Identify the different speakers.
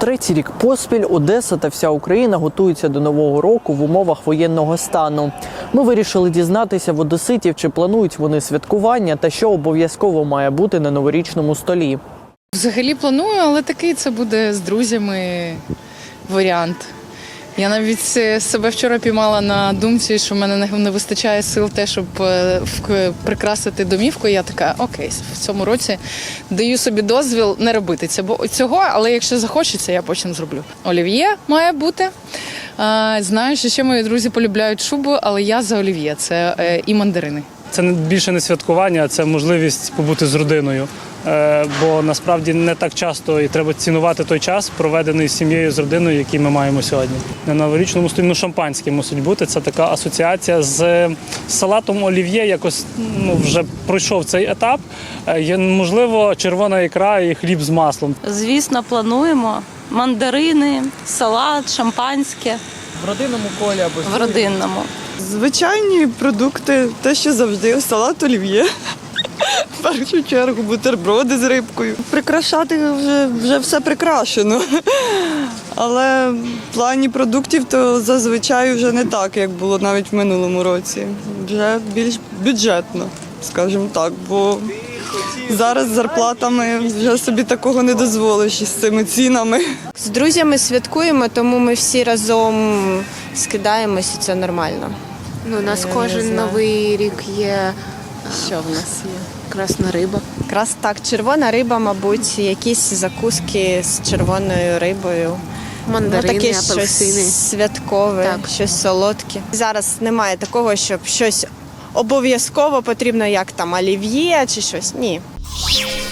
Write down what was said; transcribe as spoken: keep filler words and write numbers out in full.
Speaker 1: Третій рік поспіль Одеса та вся Україна готуються до Нового року в умовах воєнного стану. Ми вирішили дізнатися в одеситів, чи планують вони святкування та що обов'язково має бути на новорічному столі.
Speaker 2: Взагалі планую, але такий це буде з друзями варіант. Я навіть себе вчора піймала на думці, що в мене не вистачає сил те, щоб прикрасити домівку. Я така, окей, в цьому році даю собі дозвіл не робити цього, але якщо захочеться, я потім зроблю. Олів'є має бути. Знаю, що ще мої друзі полюбляють шубу, але я за олів'є, це і мандарини.
Speaker 3: Це більше не святкування, а це можливість побути з родиною. Бо насправді не так часто і треба цінувати той час, проведений з сім'єю, з родиною, який ми маємо сьогодні. На новорічному столі ну, шампанське мусить бути. Це така асоціація з салатом олів'є, якось ну, вже пройшов цей етап. Є, можливо, червона ікра і хліб з маслом.
Speaker 4: Звісно, плануємо. Мандарини, салат, шампанське.
Speaker 1: В родинному колі або
Speaker 4: в родинному.
Speaker 5: Звичайні продукти, те, що завжди, салат олів'є. В першу чергу бутерброди з рибкою. Прикрашати вже, вже все прикрашено. Але в плані продуктів то зазвичай вже не так, як було навіть в минулому році. Вже більш бюджетно, скажімо так, бо зараз з зарплатами вже собі такого не дозволиш із цими цінами.
Speaker 6: З друзями святкуємо, тому ми всі разом скидаємося, це нормально.
Speaker 7: Ну, у нас Я кожен новий рік є. Що в нас є? Красна риба.
Speaker 6: Якраз так, червона риба, мабуть, якісь закуски з червоною рибою.
Speaker 7: Мандарини,
Speaker 6: ну, таке
Speaker 7: апельсини.
Speaker 6: Щось святкове,
Speaker 7: так.
Speaker 6: щось солодке. Зараз немає такого, щоб щось обов'язково потрібно, як там олів'є чи щось. Ні.